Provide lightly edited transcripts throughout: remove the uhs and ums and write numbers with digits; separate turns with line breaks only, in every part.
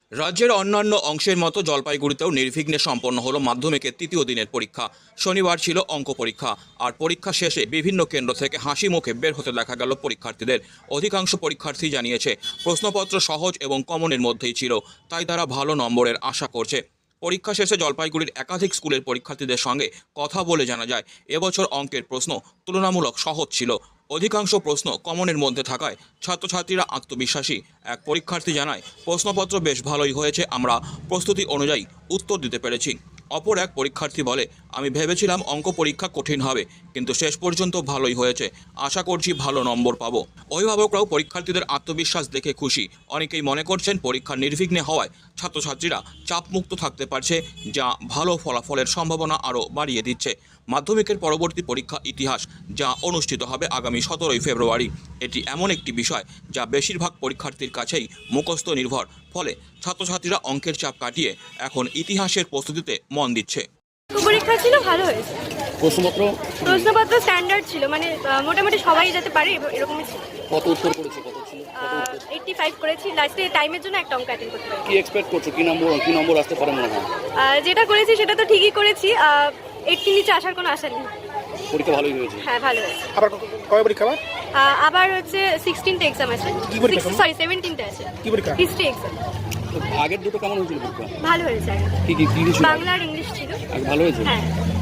রাজ্যের অন্যান্য অংশের মতো জলপাইগুড়িতেও নির্বিঘ্নে সম্পন্ন হলো মাধ্যমিকের তৃতীয় দিনের পরীক্ষা। শনিবার ছিল অঙ্ক পরীক্ষা, আর পরীক্ষা শেষে বিভিন্ন কেন্দ্র থেকে হাসি মুখে বের হতে দেখা গেল পরীক্ষার্থীদের। অধিকাংশ পরীক্ষার্থী জানিয়েছে প্রশ্নপত্র সহজ এবং কমনের মধ্যেই ছিল, তাই তারা ভালো নম্বরের আশা করছে। পরীক্ষা শেষে জলপাইগুড়ির একাধিক স্কুলের পরীক্ষার্থীদের সঙ্গে কথা বলে জানা যায়, এবছর অঙ্কের প্রশ্ন তুলনামূলক সহজ ছিল। অধিকাংশ প্রশ্ন কমনের মধ্যে থাকায় ছাত্রছাত্রীরা আত্মবিশ্বাসী। এক পরীক্ষার্থী জানায়, প্রশ্নপত্র বেশ ভালোই হয়েছে, আমরা প্রস্তুতি অনুযায়ী উত্তর দিতে পেরেছি। অপর এক পরীক্ষার্থী বলে, আমি ভেবেছিলাম অঙ্ক পরীক্ষা কঠিন হবে, কিন্তু শেষ পর্যন্ত ভালোই হয়েছে, আশা করছি ভালো নম্বর পাবো। অভিভাবকরাও পরীক্ষার্থীদের আত্মবিশ্বাস দেখে খুশি। অনেকেই মনে করছেন পরীক্ষা নির্বিঘ্নে হওয়ায় ছাত্রছাত্রীরা চাপমুক্ত থাকতে পারছে, যা ভালো ফলাফলের সম্ভাবনা আরও বাড়িয়ে দিচ্ছে। মাধ্যমিকের পরবর্তী পরীক্ষা ইতিহাস, যা অনুষ্ঠিত হবে আগামী 17ই ফেব্রুয়ারি। এটি এমন একটি বিষয় যা বেশিরভাগ পরীক্ষার্থীর কাছেই মুখস্থ নির্ভর, ফলে ছাত্রছাত্রীরা অঙ্কের চাপ কাটিয়ে এখন ইতিহাসের প্রস্তুতিতে মন দিচ্ছে।
পরীক্ষা ছিল, ভালো হয়েছে। প্রশ্নপত্র স্ট্যান্ডার্ড ছিল, মানে মোটামুটি সবাই যেতে পারে এরকমই ছিল।
কত উত্তর করেছো? কত ছিল?
85 করেছি। লাস্টে টাইমের জন্য একটা অঙ্ক অ্যাটেন্ড করতে পারি।
কি এক্সপেক্ট করছো? কি নম্বর আসতে পারে মনে হয়?
যেটা করেছি সেটা তো ঠিকই করেছি। 80 নিচে আসার কোনো আশা নেই।
পরীক্ষা ভালোই হয়েছে?
হ্যাঁ, ভালো হয়েছে।
আবার কবে পরীক্ষা আবার?
আবার হচ্ছে 16তে এক্সাম আছে।
কি পরীক্ষা?
সরি 17তে আছে।
কি পরীক্ষা?
History exam.
আগের দুটো কেমন হয়েছিল পরীক্ষা?
ভালো হয়েছে।
কি ছিল?
বাংলা আর ইংলিশ ছিল।
আগে ভালো হয়েছে?
হ্যাঁ।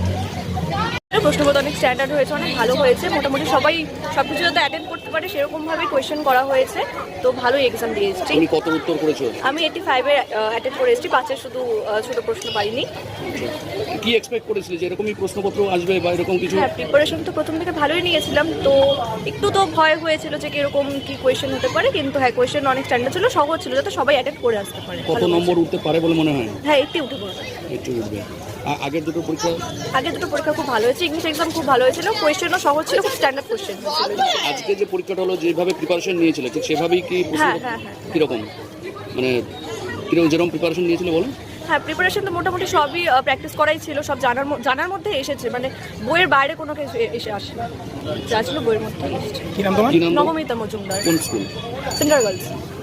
প্রশ্নপত্র অনেক স্ট্যান্ডার্ড হয়েছে, অনেক ভালো হয়েছে। মোটামুটি সবাই সবকিছু যাতে অ্যাটেন্ড করতে পারে সেরকমভাবে কোয়েশ্চেন করা হয়েছে, তো ভালোই এক্সাম দিয়ে এসেছি।
তুমি কত উত্তর করেছো?
আমি 85 অ্যাটেন্ড করে এসেছি, 5-এর শুধু ছোট প্রশ্ন পাইনি।
কি এক্সপেক্ট করেছিলে যে এরকমই প্রশ্নপত্র আসবে বা এরকম কিছু?
হ্যাঁ, প্রিপারেশন তো প্রথম থেকে ভালোই নিয়েছিলাম, তো একটু তো ভয় হয়েছিল যে কিরকম কি কোয়েশ্চেন হতে পারে, কিন্তু হ্যাঁ কোয়েশ্চেন অনেক স্ট্যান্ডার্ড ছিল, সহজ ছিল, যাতে সবাই অ্যাটেন্ড করে আসতে পারে।
কত নম্বর উঠতে পারে বলে মনে হয়?
হ্যাঁ, 80 উঠে পড়বে।
একটু উঠবে। আগের দুটো পরীক্ষা
খুব ভালো হয়েছে। ইংলিশ এক্সাম খুব ভালো হয়েছিল, কোয়েশ্চেনও সহজ ছিল, খুব স্ট্যান্ডার্ড কোয়েশ্চেন ছিল।
আজকে যে পরীক্ষাটা হলো, যেভাবে প্রিপারেশন নিয়েছিলে ঠিক সেভাবেই কি?
হ্যাঁ।
কিরকম, মানে যেরকম প্রিপারেশন নিয়েছিলে বলো?
হ্যাঁ, প্রিপারেশন তো মোটামুটি সবই প্র্যাকটিস করাই ছিল, সব জানার মধ্যে এসেছে, মানে বইয়ের বাইরে কোনো কিছু এসে আসে, যা ছিল বইয়ের মধ্যে এসেছে।
কি নাম তোমার?
নবমিতা মজুমদার।
কোন স্কুল?
Central girls.